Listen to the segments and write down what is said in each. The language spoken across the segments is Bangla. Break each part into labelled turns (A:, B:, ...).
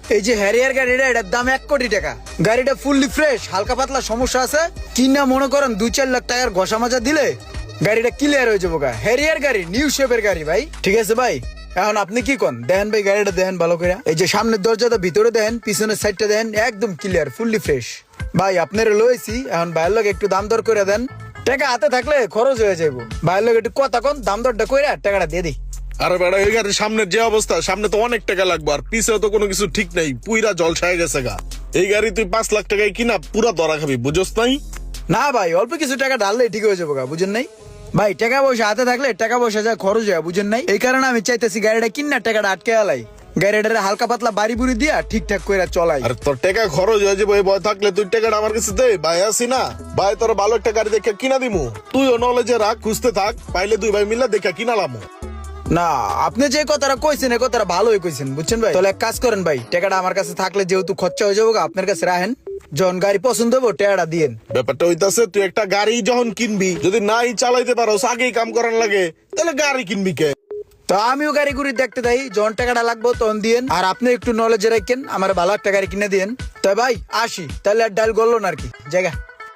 A: এই যে হ্যারিয়ার গাড়িটা, এটার দাম 1 কোটি টাকা। গাড়িটা ফুললি ফ্রেশ, হালকা পাতলা সমস্যা আছে কিনা মনে করেন 2-4 লাখ টাকার ঘষা মাজা দিলে গাড়িটা ক্লিয়ার হয়ে যাবো। হ্যারিয়ার গাড়ি, নিউ শেপের গাড়ি ভাই। ঠিক আছে ভাই, এখন আপনি কি কন? দেখেন ভাই গাড়িটা দেখেন ভালো করে। এই যে সামনের দরজাটা ভিতরে দেখেন, পিছনের সাইডটা দেখেন, একদম ক্লিয়ার, ফুললি ফ্রেশ। ভাই আপনারা লইছি, এখন ভাইয়ের লোক একটু দাম দর করে দেন। টাকা হাতে থাকলে খরচ হয়ে যাবো। ভাইয়ের লোক একটু কথা কন, দাম দরটা কইরা টাকাটা দিয়ে দিই।
B: আরে বেড়া, এই গাড়ির সামনের যে অবস্থা, সামনে তো অনেক টাকা লাগবে, আর পিছেও তো কোনো কিছু ঠিক নাই, পুইরা জলছায় গেছে গা। এই গাড়ি তুই 5 লাখ টাকায় কিনা পুরা ধরা খাবি, বুঝোস নাই?
A: না ভাই, অল্প কিছু টাকা ঢাললেই ঠিক হয়ে যাবো গা, বুঝেন নাই? ভাই টাকা পয়সা হাতে থাকলে টাকা পয়সা যা খরচ হয়, বুঝেন নাই? এই কারণে আমি চাইতেছি গাড়িটা কিনা টাকাটা আটকে আলাই, গাড়িটারে হালকা পাতলা বাড়ি বুড়ি দিয়া ঠিকঠাক করে চলাই।
B: আর তোর টাকা খরচ হয়ে যাবে, এই ভয় থাকলে তুই টাকাটা আমার কাছে দে, ভাই আসি না ভাই, তোর ভালো একটা গাড়ি দেখে কিনা দিমু, তুইও নলেজে রাখ, খুঁজতে থাক, পাইলে 2 ভাই মিলে দেখে কিনালামু।
A: না, আপনি যে কথাটা কইছেন এই কথাটা ভালোই কইছেন, বুঝছেন ভাই? তাহলে এক কাজ করেন ভাই, টাকাটা আমার কাছে থাকলে যেহেতু খরচা হয়ে যাবো, আপনার কাছে রাখেন, যখন গাড়ি পছন্দ হবো টাকাটা দিয়েন।
B: ব্যাপারটা হইতাছে, তুই একটা গাড়ি যখন কিনবি, যদি নাই চালাইতে পারো, আগেই কাম করার লাগে, তাহলে গাড়ি কিনবি কে?
A: তো আমিও গাড়ি গুড়ি দেখতে যাই, যখন টাকাটা লাগবো তখন দিয়েন, আর আপনি একটু নলেজে রাখেন, আমার ভালো একটা গাড়ি কিনে দিয়েন। তাই ভাই আসি, তাহলে আর ডাল গড়লো না আর কি জায়গা।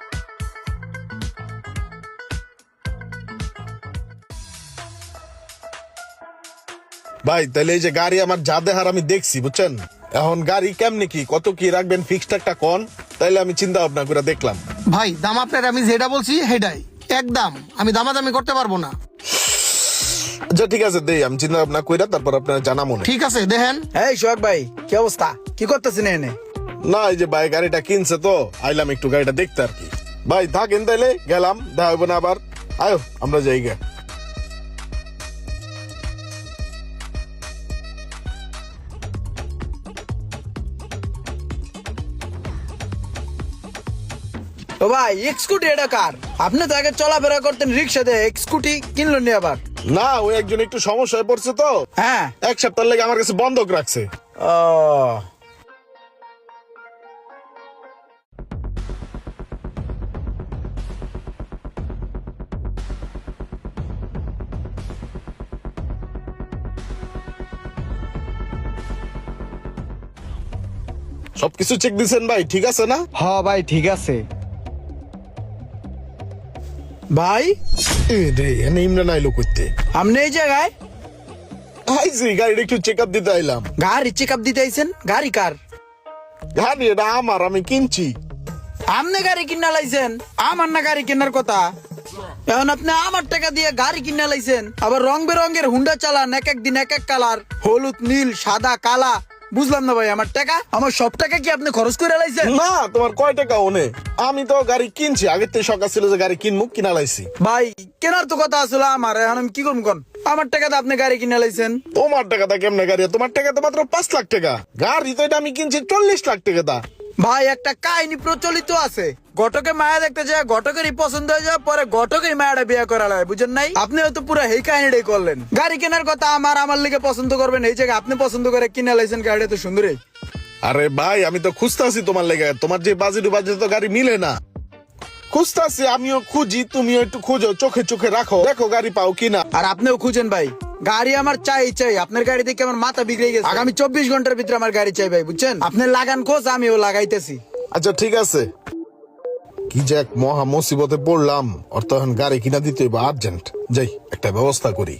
B: ভাই তাহলে এই যে গাড়ি আমার যা দেহার আমি দেখছি, বুঝছেন, এখন গাড়ি কেমনি কি কত কি রাখবেন ফিক্সড একটা কোন, তাইলে আমি চিন্তা ভাবনা করে দেখলাম।
C: ভাই দাম আপনার আমি যেটা বলছি সেটাই একদম, আমি দামাদামি করতে পারবো না।
B: আচ্ছা ঠিক আছে, দেই, আমি চিন্তা ভাবনা কইরা তারপর আপনার জানা মনে।
C: ঠিক আছে দেখেন।
A: এই সোহাগ ভাই, কি অবস্থা? কি করতেছেন এনে?
B: না, এই যে ভাই গাড়িটা কিনছে তো আইলাম একটু গাড়িটা দেখতে আর কি। ভাই থাকেন তাইলে, গেলাম, দেখা হইব না আবার, আয়ো আমরা যাই গে।
A: ও ভাই, স্কুটি এটা কার? আপনি তো আগে চলাফেরা করতেন রিক্সা দিয়ে, স্কুটি কিনলো নি আবার?
B: না, ওই একজন একটু সমস্যায় পড়ছে তো,
A: হ্যাঁ।
B: 1 সপ্তাহ লেগে আমার কাছে বন্ধক রাখছে।
A: ও
B: সবকিছু চেক দিছেন ভাই, ঠিক আছে না?
A: হ ভাই ঠিক আছে। ভাই
B: এ রে, এনে ইমরান আইলো করতে।
A: আপনি এই জায়গায়?
B: আইছি গাড়িটা একটু চেক আপ দিতে আইলাম।
A: গাড়ি চেক আপ দিতে আইছেন? গাড়ি কার?
B: গাড়ি এটা আমার, আমি কিনছি।
A: আপনি গাড়ি কিনা লাইছেন? আমার না গাড়ি কেনার কথা। এখন আপনি আমার টাকা দিয়ে গাড়ি কিনা লাইছেন, আবার রং বেরঙের হুন্ডা চালান, এক এক দিন এক এক কালার, হলুদ, নীল, সাদা, কালা। বুঝলাম না ভাই, আমার টাকা, আমার সব টাকা কি আপনি খরচ করে লাইছেন?
B: না, তোমার কয় টাকা ওনে? আমি তো গাড়ি কিনছি, আগের থেকে শখ ছিল যে গাড়ি কিনবো, কিনা লাইছি।
A: ভাই কেনার তো কথা আসলে আমার, এখন আমি কি করবো কোন? আমার টাকাতে আপনি গাড়ি কিনে লাইছেন।
B: তোমার টাকাটা কেমনে গাড়ি? তোমার টাকা তো মাত্র 5 লাখ টাকা, গাড়ি তো এটা আমি কিনছি 40 লাখ টাকা দা।
A: ভাই একটা কাহিনী প্রচলিত আছে, ঘটকে মায়া দেখতে যায়, ঘটকেরই পছন্দ হয়ে যায়, পরে ঘটকেই মায়াটা বিয়ে করা লাগে, বুঝেন নাই? আপনি হয়তো পুরো এই কাহিনীটাই করলেন। গাড়ি কেনার কথা আমার লিগে পছন্দ করবেন, এই জায়গায় আপনি পছন্দ করে কিনে লাইছেন গাড়িটা তো সুন্দরই।
B: আরে ভাই, আমি তো খুঁজতাছি তোমার লেগে, তোমার যে বাজেট তো গাড়ি মিলে না। খুঁজতাছি, আমিও খুঁজি, তুমিও একটু খুঁজো, চোখে চোখে রাখো, দেখো গাড়ি পাও কিনা।
A: আর আপনিও খুঁজেন ভাই, গাড়ি আমার চাই চাই। আপনার গাড়ি দেখে আমার মাথা বিগড়ে গেছে, আগামী 24 ঘন্টার ভিতরে আমার গাড়ি চাই ভাই, বুঝছেন? আপনি লাগান খোঁজ, আমিও লাগাইতেছি।
B: আচ্ছা ঠিক আছে। কি যে এক মহা মুসিবতে পড়লাম, ওর তো এখন গাড়ি কিনা দিতে হইব আর্জেন্ট, যাই একটা ব্যবস্থা করি।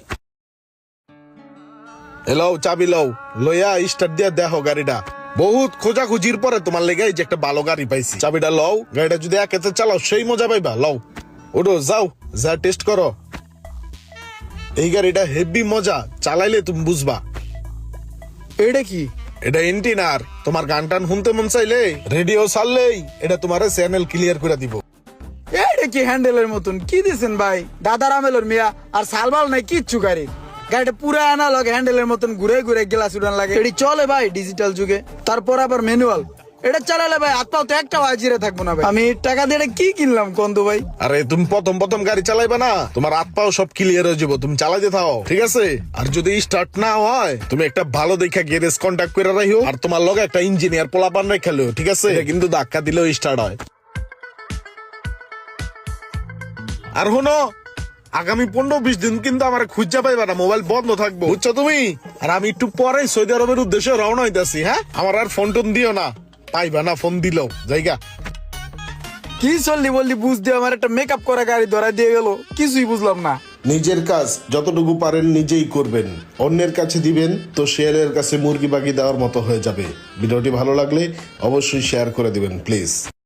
B: এলাও চাবি লও, লইয়া স্টার্ট দিয়া দেখো গাড়িটা। বহুত খোঁজাখুঁজির পরে তোমার লেগে এই যে একটা ভালো গাড়ি পাইছি, চাবিটা লও, গাড়িটা যদি একেতে চালাও সেই মজা পাইবা। লও, ওঠো, যাও, যা টেস্ট করো। এই গাড়িটা হেভি মজা, চালাইলে তুমি বুঝবা।
A: এটা কি?
B: এটা এন্টিনার, তোমার গান টান শুনতে মন চাইলে রেডিও ছাড়লেই এটা তোমার চ্যানেল ক্লিয়ার করে দিব।
A: এটা কি হ্যান্ডেলের মতন কি দিছেন ভাই? দাদার আমেলর মিয়া, আর সালবাল নাই কিচ্ছু গাড়ি। গাড়িটা পুরো অ্যানালগ, হ্যান্ডেলের মতন ঘুরে ঘুরে গ্লাস উড়ান লাগে। এটি চলে ভাই ডিজিটাল যুগে, তারপর আবার ম্যানুয়াল। এটা চালালে ভাই হাত পাও তো একটা জিরে থাকবো না ভাই। আমি টাকা দিয়ে এটা কি কিনলাম কন্দু ভাই?
B: আরে তুমি প্রথম প্রথম গাড়ি চালাইবা না, তোমার হাত পাও সব ক্লিয়ার হয়ে যাবো, তুমি চালাইতে থাও, ঠিক আছে? আর যদি স্টার্ট না হয়, তুমি একটা ভালো দেখা গ্যারেজ কন্ট্যাক্ট করে রাখো, আর তোমার লগে একটা ইঞ্জিনিয়ার পোলাপান রেখেলো, ঠিক আছে? এটা কিন্তু ধাক্কা দিলেও স্টার্ট হয়। আর শোনো, আগামী 15-20 দিন কিন্তু আমার খুঁজা পাইবা না, মোবাইল বন্ধ থাকবো, বুঝছো তুমি? আর আমি একটু পরে সৌদি আরবের উদ্দেশ্যে রওনা হইতাছি। হ্যাঁ, আমার আর ফোন টোন দিও না, পাইবা না ফোন দিলেও। জায়গা
A: কি চললি বললি বুঝ দিয়ে আমার একটা মেকআপ করা গাড়ি ধরা দিয়ে গেল, কিছুই বুঝলাম না।
D: নিজের কাজ যতটুকু পারেন নিজেই করবেন, অন্যের কাছে দিবেন তো শেয়ারের কাছে মুরগি বাগি দেওয়ার মতো হয়ে যাবে। ভিডিওটি ভালো লাগলে অবশ্যই শেয়ার করে দিবেন প্লিজ।